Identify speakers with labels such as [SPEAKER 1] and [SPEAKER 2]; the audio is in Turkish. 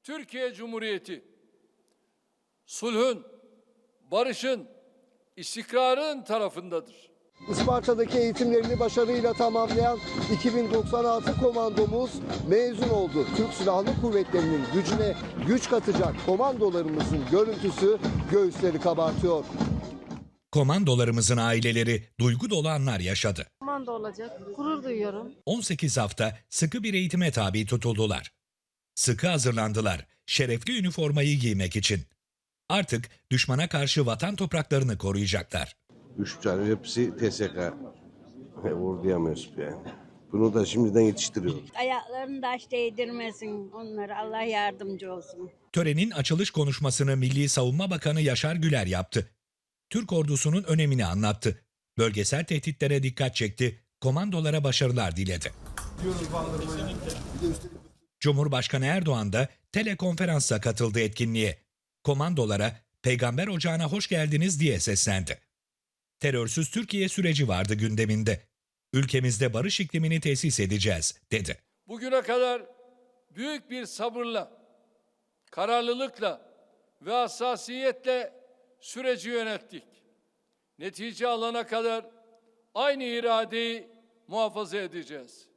[SPEAKER 1] Türkiye Cumhuriyeti sulhün, barışın, istikrarın tarafındadır.
[SPEAKER 2] Isparta'daki eğitimlerini başarıyla tamamlayan 2096 komandomuz mezun oldu. Türk Silahlı Kuvvetleri'nin gücüne güç katacak komandolarımızın görüntüsü göğüsleri kabartıyor.
[SPEAKER 3] Komandolarımızın aileleri duygu dolu anlar yaşadı.
[SPEAKER 4] Komando olacak. Gurur duyuyorum.
[SPEAKER 3] 18 hafta sıkı bir eğitime tabi tutuldular. Sıkı hazırlandılar, şerefli üniformayı giymek için. Artık düşmana karşı vatan topraklarını koruyacaklar.
[SPEAKER 5] 3 tane hepsi TSK. Orduya mensup yani. Bunu da şimdiden yetiştiriyoruz.
[SPEAKER 6] Ayaklarını taş değdirmesin onlara. Allah yardımcı olsun.
[SPEAKER 3] Törenin açılış konuşmasını Milli Savunma Bakanı Yaşar Güler yaptı. Türk ordusunun önemini anlattı. Bölgesel tehditlere dikkat çekti, komandolara başarılar diledi. Cumhurbaşkanı Erdoğan da telekonferansla katıldı etkinliğe. Komandolara Peygamber Ocağı'na hoş geldiniz diye seslendi. Terörsüz Türkiye süreci vardı gündeminde. Ülkemizde barış iklimini tesis edeceğiz, dedi.
[SPEAKER 1] Bugüne kadar büyük bir sabırla, kararlılıkla ve hassasiyetle süreci yönettik. Netice alana kadar aynı iradeyi muhafaza edeceğiz.